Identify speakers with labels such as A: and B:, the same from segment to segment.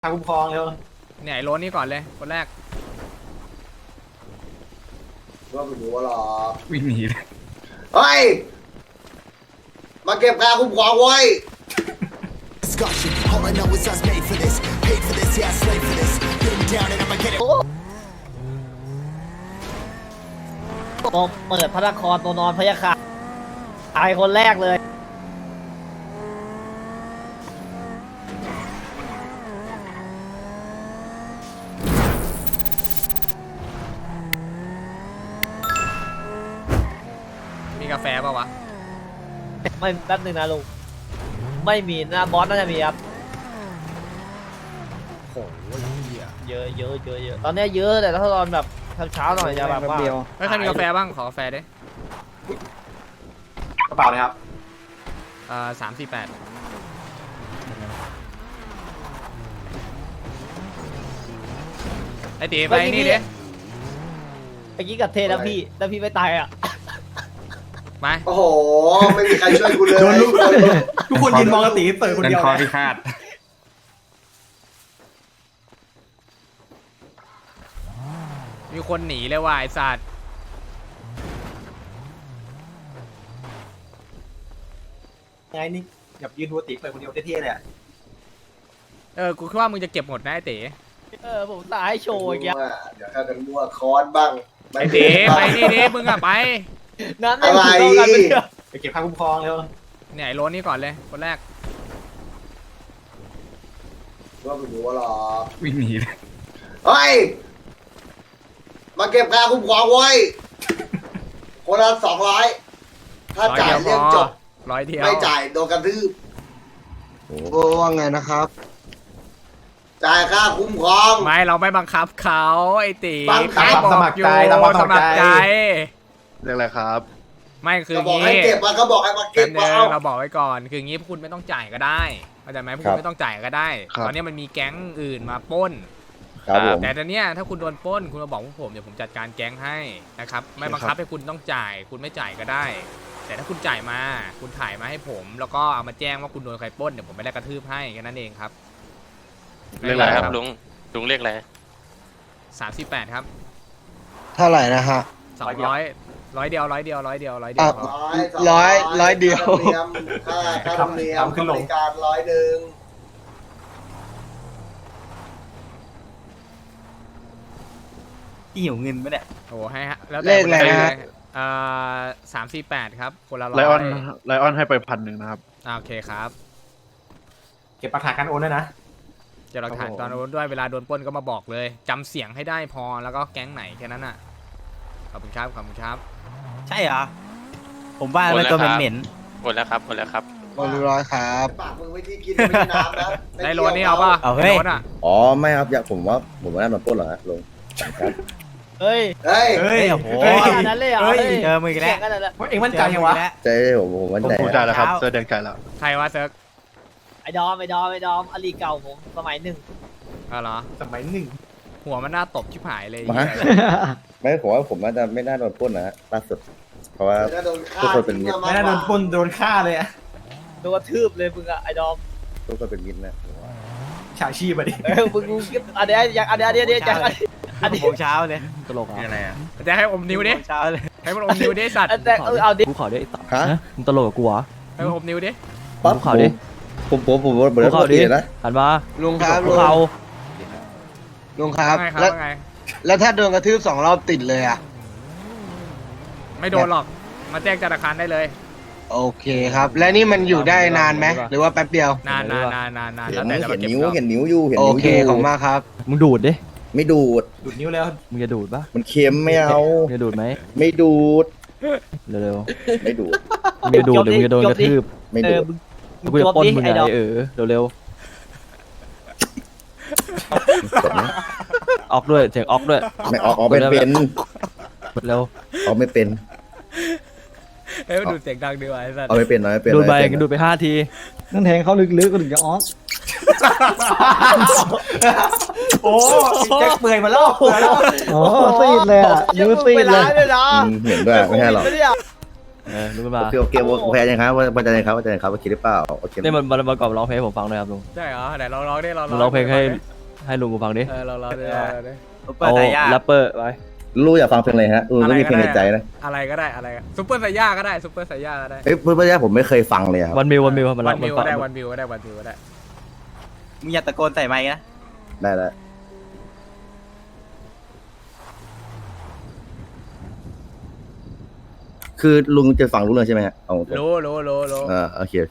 A: ทางคุ้มครองเร็ว
B: เนี่ยไอ้โรนนี่ก่อนเลยคนแรก
C: ว่าไม่รู้ว่าหรอ
D: วิ่งหนีเลย
C: เฮ้ยมาเก็บค่าคุ้มครองไว้
E: ผมเปิดพระนครตัวนอนพยาค่ะตายคนแรกเลย
B: มีกาแฟป่าวะ
E: ไม่แป๊บหนึ่งนะลุงไม่มีนะบอสน่าจะมีครับ
B: โอ้ย
E: เยอะตอนนี้เยอะแต่ถ้าตอนแบบเช้าหน่อยจะแบบว่า
B: ไม่ใครมีกาแฟบ้างขอกาแฟดิ
A: กระเป๋าเลยครับ
B: 348ไอ้ตีไปนี่ดิ
E: เมื่อกี้กับเทแล้วพี่ไม่ตายอ่ะ
B: ไป
C: โอ้โหไม่มีใครช่วยกูเลย
A: ทุกคนยืนมองกระตีเปิดคนเดียว
D: คอพิฆาต
B: มีคนหนีเลยว่ะไอ้สัตว์
A: ไงนี่แบบยืนดูตีเปิดคนเดียวเท่ๆเลย
B: กูคิดว่ามึงจะเก็บหมดนะไอ้ตี
E: ผมตายโชว์อย่างเงี้ย
C: เดี๋ยวข้ากันมั่วคอนบ้าง
B: ไอ้ตีไปนี่ดิมึงอะไป
E: นั้นอะไร
A: ไปเก็บค่าคุ้มครองเร็ว
B: เนี่ยไอ้โรนนี่ก่อนเลยคนแรก
C: ว่าไม่รู้ว่าหรอ
D: วิ่งหนีเลย
C: เฮ้ยมาเก็บค่าคุ้มครองไว้คนละ200ถ้าจ่ายเรื่องจบ
B: 100 เดียว
C: ไม่จ่ายโดนกระทืบโอ้ว่าไงนะครับจ่ายค่าคุ้มครอง
B: ไม่เราไม่บังคับเขาไอ้ตี
A: สมัครใจ
B: สมัครใจ
D: เรื่องอะไรครับ
B: ไม่คือ
C: บอกให้เก็บมาก็บอกให้มาเก็บมา
B: เราบอกไว้ก่อนคืองี้พวกคุณไม่ต้องจ่ายก็ได้เข้าใจไหมพวกคุณไม่ต้องจ่ายก็ได้ตอนนี้มันมีแก๊งอื่นมาปล้นแต่ตอนนี้ถ้าคุณโดนปล้นคุณมาบอกพวกผมเดี๋ยวผมจัดการแก๊งให้นะครับไม่บังคับให้คุณต้องจ่ายคุณไม่จ่ายก็ได้แต่ถ้าคุณจ่ายมาคุณถ่ายมาให้ผมแล้วก็เอามาแจ้งว่าคุณโดนใครปล้นเดี๋ยวผมไม่ได้กระทืบให้แค่นั้นเองครับ
F: เรียกอะไรครับลุงเรียกอะไร
B: 38ครับ
C: เท่าไหร่นะฮะ
B: 100เดียว
C: ร้อยเดียว
E: ค่า
C: ธรรมเนียมขึ้นลงการ100
E: หิวเงินไหมเนี่ย
B: โอ้ให้ฮะแล้วเลขอะไรฮะ348ครับคนละ100ไล
D: ออนให้ไป1,000นะครับ
B: โอเคครับ
A: เก็บหลักฐานการโอนด้วยนะ
B: จะหลักฐานตอนโอนด้วยเวลาโดนปล้นก็มาบอกเลยจำเสียงให้ได้พอแล้วก็แก๊งไหนแค่นั้นอ่ะขอบคุณครับ
E: ใช่เหรอผมว่ามันตัวเหม็น
F: หมดแล้วครับ100
C: ครับปากมึงไว้ที่กินไม่น้ำนะ
B: ได้โลนี่เอาป่ะ
E: เอาเฮ้ย
C: อ๋อไม่ครับอยากผมว่าน่าโดนปล้นเหรอฮะลงครับ
E: เฮ้ยโอ้โหนั้นเลยเหรอเจอมือแล้ว
A: เอ็งมั่นใจยังวะ
C: ใจผมมั่นใจ
D: จ่ายแล้วครับเสื้อแดงจ่ายแล้ว
B: ใครวะเซิร์ก
E: ไอ้ดอมอลีเก่าผมสมัย1
B: เหรอ
A: สมัย1
B: หัวมันน่าตบชิบหายเลย
C: ไม่ผมว่าผมน่าจะไม่น่าโดนปล้นนะล่าสุดเพราะว่าทุกคนเป็นมิตร
A: ไม่น่าโดนปล้นโดนฆ่าเลยอะ
E: โดนทืบเลยมึงอะไอ้ดอม
C: ทุกคนเป็นมิตรนะ
A: ฉาชีพอะดิ
E: มึงอันนี้
G: ผมเช้าเลย
D: ตลกอะไรอ่ะ
B: จะให้อมนิ้วดิ
G: เช้าเลย
B: ให้มันอมนิ้วดิสัตว์
E: เอาดิ
G: กูขอด้วยฮะมึงตลกกับกูเหรอ
B: ให้มันอมนิ้วดิ
G: กูขอดิ
C: ผมขอดิ
G: นะหันมา
C: ลุงครับลุงครับแล้วถ้าโดนกระทืบ2 รอบติดเลยอ่ะ
B: ไม่โดนหรอกมาแจ้งธนาคารได้เลย
C: โอเคครับและนี่มันอยู่ได้นานไหมหรือว่าแป๊บเดียวน
B: านแล้วแต่
C: เห็นนิ้วอยู่โอเคของมากครับ
G: มึงดูดดิ
C: ไม่ดูด
A: นิ้วแล้ว
G: มึงจะดูดปะ
C: มันเค็มไม่เอา
G: จะดูดไหม
C: ไม่ดูด
G: เร็ว
C: ไม่ดูด
G: มึงจะดูดหรือมึงจะโดนกระทืบ
C: ไม่ดูด
G: กูจะปล้นมึงไงเร็วออกด้วยเสียงออกด้วย
C: ไม่ออกเป็น
G: เร็ว
C: ออกไม่เป็น
B: เฮ้ยดูเสียงดังดีว่ะไอ้สัส
C: เอาไม่เป็น
G: ดูดไปดูดไป5 ที
E: นั่งแทงเขาลึกๆก็ถึงจะออก
A: โอ้แจ็คเปื่อยมาแล้ว
E: โอ้ซีดเลยอ่ะนิ้วซีดเลย
C: เห็นด้วยไม่ใช่หรอก
G: ลุงขึ้นมา
H: โอเคโอเคยังครับว่าจะยังครับว่าคิดหรือเปล่าโอเค
G: นี่มันประกอบร้องเพลงให้ผมฟังด้วยครับลุง
B: ใช่เหรอไหนลองร้องดิลอง
G: ลุงร้องเพลงให้ลุงกูฟังดิ
B: ลองร้องดิ
G: เอาแรปเปอร์ไป
H: ลูกอยากฟังเพลงอะไรฮะลูกมีเพลงในใจนะ
B: อะไรก็ได้อะไรซุปเปอร์ไซย่าก็ได้ซุปเปอร์ไซย่าก็ได้
H: เอ้ยเพื่อนๆผมไม่เคยฟังเลยครับ
G: วันมิวมัน
B: วันมิว
G: ฟัง
B: ก็ได้วันมิวก็ได้วันมิวก็ได้
A: มึงอย่าตะโกนใส่ไมค์นะ
H: ได้แล้วคือลุงจะฟังรู้เรื่องใช่ไหมฮะเอาตรง
B: รู้
H: โอเค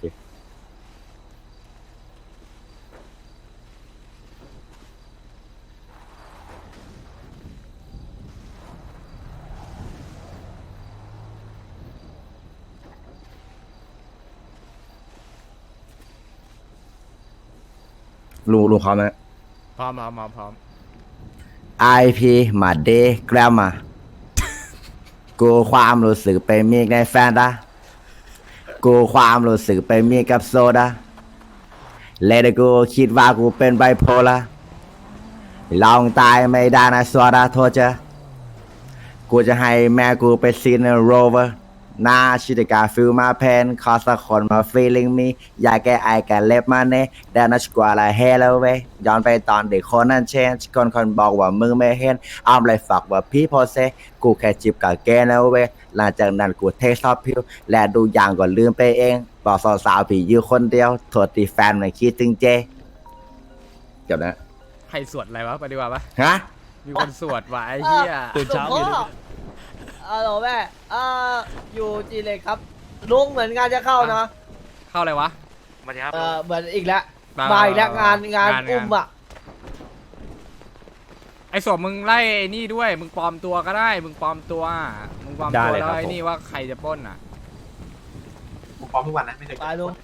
H: ลุงพร้อมไหม
B: พร้อม
H: IP มาเดย์แกรมมากูความรู้สึกไปมีในแฟนดากูความรู้สึกไปมีกับโซดาเลดกูคิดว่ากูเป็นไบโพล่าลองตายไม่ได้นะโซดาโทษเจอกูจะให้แม่กูไปซีนโรเวอร์น่าชิดกาฟิลมาเพนขอสักคนมา feeling me อยากแก้ไอแกเล็บมาเน่แดนนัชกว่าละเฮลเวย้อนไปตอนเด็กคนนั้นเชนคนบอกว่ามึงไม่เห็นอ้อมเลยฝากว่าพี่โพเซกูแค่จิบกับแกนะเวหลังจากนั้นกูเทสซอฟพิวและดูอย่างก่อนลืมไปเองบอกสาวๆพี่อยู่คนเดียวโทษที่แฟนไม่คิดถึงเจเกี่ยวนะ
B: ใครสวดอะไรวะไปดีกว่าปะ
H: ฮะ
B: มีคนสวดว่ะไอ้เหี้ย
G: ตื่นเช้าอยู่ดิ
E: ฮัลโหลแม่อยู่จีเล็กครับลุงเหมือนงานจะเข้านะ
B: เข้าอะไรวะ
F: มาดีครับ
E: เหมือนอีกแล้วมาอีกแล้วงานอุ้มอ่ะ
B: ไอ้ศพมึงไล่ไอ้นี่ด้วยมึงปลอมตัวก็ได้มึงปลอมตัวแล้วไอ้นี่ว่าใครจะปล้นอ่ะ
A: ผมพร้อมทุกวันนะไม่เคย
E: ไปลุง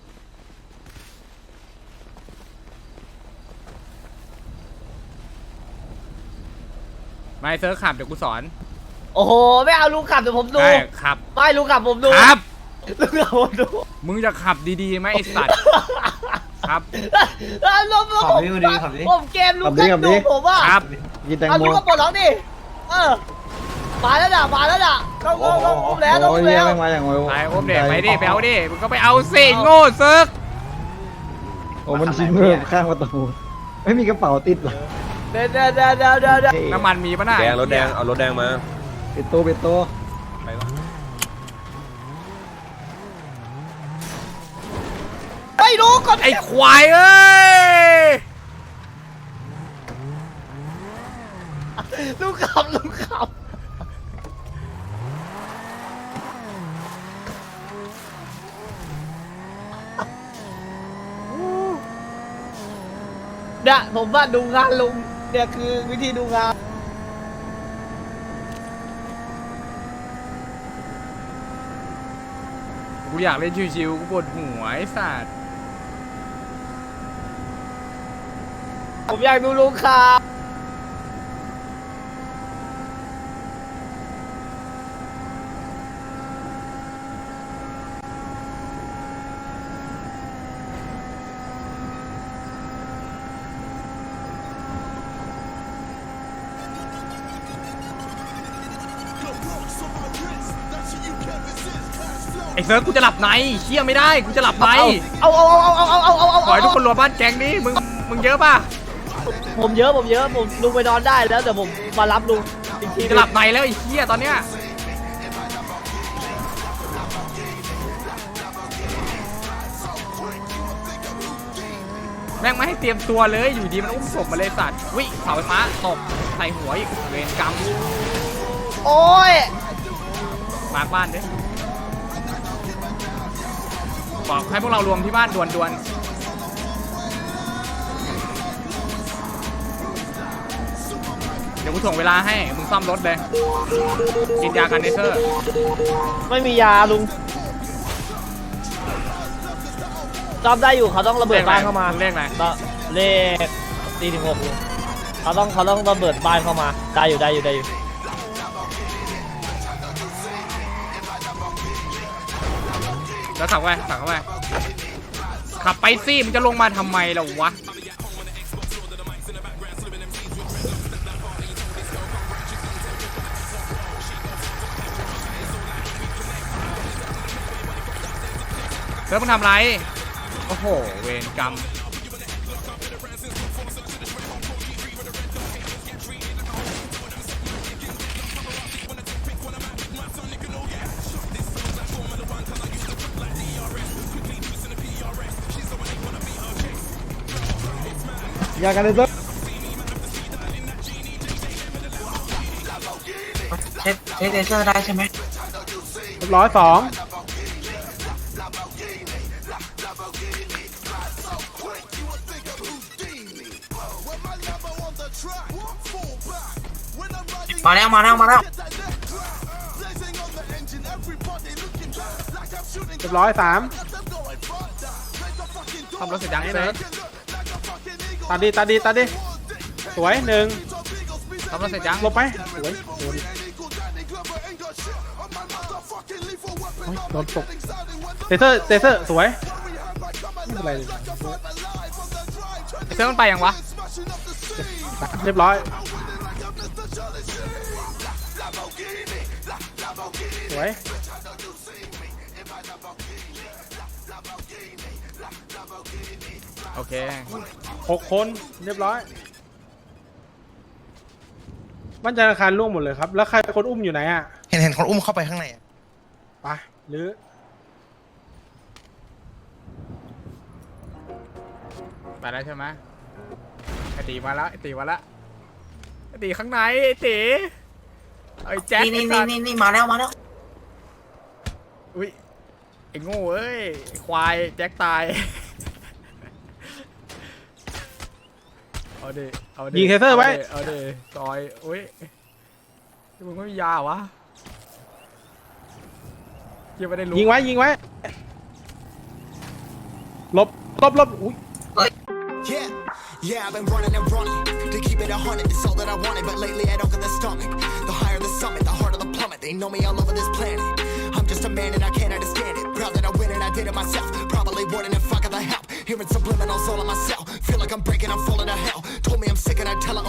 B: ไม่เซิร์ฟขับเดี๋ยวกูสอน
E: โอ้โหไม่เอาลุงขับเดี๋ยวผมดู
B: ได้ขับ
E: ไม่ลุงขับผมดู
B: ครับ
E: ลุงขับผมดู
B: มึงจะขับดีๆไหมไอ้สัตว์ครับ
E: ลุง
A: ขับดิขับดิขับดิ
E: ผมเกมลุงกันดูผมว่า
B: ครับ
G: กินแตง
E: เอา
G: โม
E: ลุงก็ปลดล็อกดิมาแล้วด่ะเข้าแล้วต้องแล้ว
G: มาอย่างไว
B: ไปโอมเด็กไปดิไปเอาดิมึงก็ไปเอาสิโง่เซิร์ฟ
G: โอ้มันชิ้นเพิ่มข้างประตูไม่มีกระเป๋าติดหรอ
E: เดี๋ยว
B: น้ำมันมีปะน่ะ
I: แดงรถแดงเอารถแดงมา
G: ปิดตัว
B: ไปวะ
E: ไม่รู้ก่อน
B: ไอ้ควายเอ้ย
E: ลุงขับเนี่ยผมว่าดูงานลุงเนี่ยคือวิธีดูงาน
B: กูอยากเล่นชิวๆกูปวดหัวไอ้สัตว์
E: ผมอยากดูลุงขับ
B: ไอ้เซิร์ฟกูจะหลับในเชี่ยไม่ได้กูจะหลับใน
E: เอา
B: ขอให้ทุกคนรวมบ้านแก๊งนี้มึงเยอะป่ะ
E: ผมเยอะผมลุงไปนอนได้แล้วเดี๋ยวผมมารับลุงอีกที
B: จะหลับในแล้วไอ้เชี่ยตอนเนี้ยแม่งไม่ให้เตรียมตัวเลยอยู่ดีมันอุ้มศพมาเลยสัตว์วิเสาไฟฟ้าตกใส่หัวอีกเวรกรรม
E: โอ้ย
B: มาบ้านดิบอกให้พวกเรารวมที่บ้านด่วนๆเดี๋ยวกูถ่วงเวลาให้มึงซ่อมรถเลยกินยากันเนเซอร์
E: ไม่มียาลุงจำได้อยู่เขาต้องระเบิดบ้านเข้ามา
B: เลขอะไร
E: เลข4-6ลุงเขาต้องระเบิดบ้านเข้ามาได้อยู่
B: แล้วขับเข้าไปขับไปสิมันจะลงมาทำไมล่ะวะเซิร์ฟมึงทำไรโอ้โหเวรกรรม
G: อยากกันเลยเซิร์ฟ
A: เช็คเลเซอร์ได้ใช่ไหม
G: 102
A: มาแล้วมาแล้วมาแล้ว
G: 103
B: ทำรถเสร็จยังเซิร์ฟ
G: ตัดดิสวยหนึ่ง
B: ทำรถเสร็จยัง
G: ลบไปสวยโดนตกเซอร์สวยไม่เป็นไรเลย
B: เซิร์ฟมันไปยังวะ
G: เรียบร้อยสวย
B: โอเค
G: 6 คนเรียบร้อยบ้านจันทร์อาคารร่วงหมดเลยครับแล้วใครคนอุ้มอยู่ไหนอ่ะ
I: เห็นคนอุ้มเข้าไปข้างในอะ
G: ไปหรือ
B: ไปแล้วใช่ไหมไอตีมาแล้วไอตีมาแล้วไอตีข้างในไอตีไอแจ็ค
A: นี่มาแล้วมาแล้ว
B: อุ้ยไอโง่เอ้ยไอ้ควายแจ็คตายเอาดิเอาดิ
G: ยิงเทเซอร์ไว้
B: เอาดิซอยอุ้ยมึงไม่มียาเหรอวะยังไม่ได้รู้
G: ยิงไว้ลบอุ้ย
I: Yeah, I've been running and running to keep it 100. It's all that I wanted, but lately I don't get the stomach. The higher the summit, the harder the plummet. They know me all over this planet. I'm just a man and I can't understand it. Proud that I win and I did it myself. Probably wouldn't if I got the help. Hearing subliminals all on myself. Feel like I'm breaking, I'm falling to hell. Told me I'm sick and I tell her.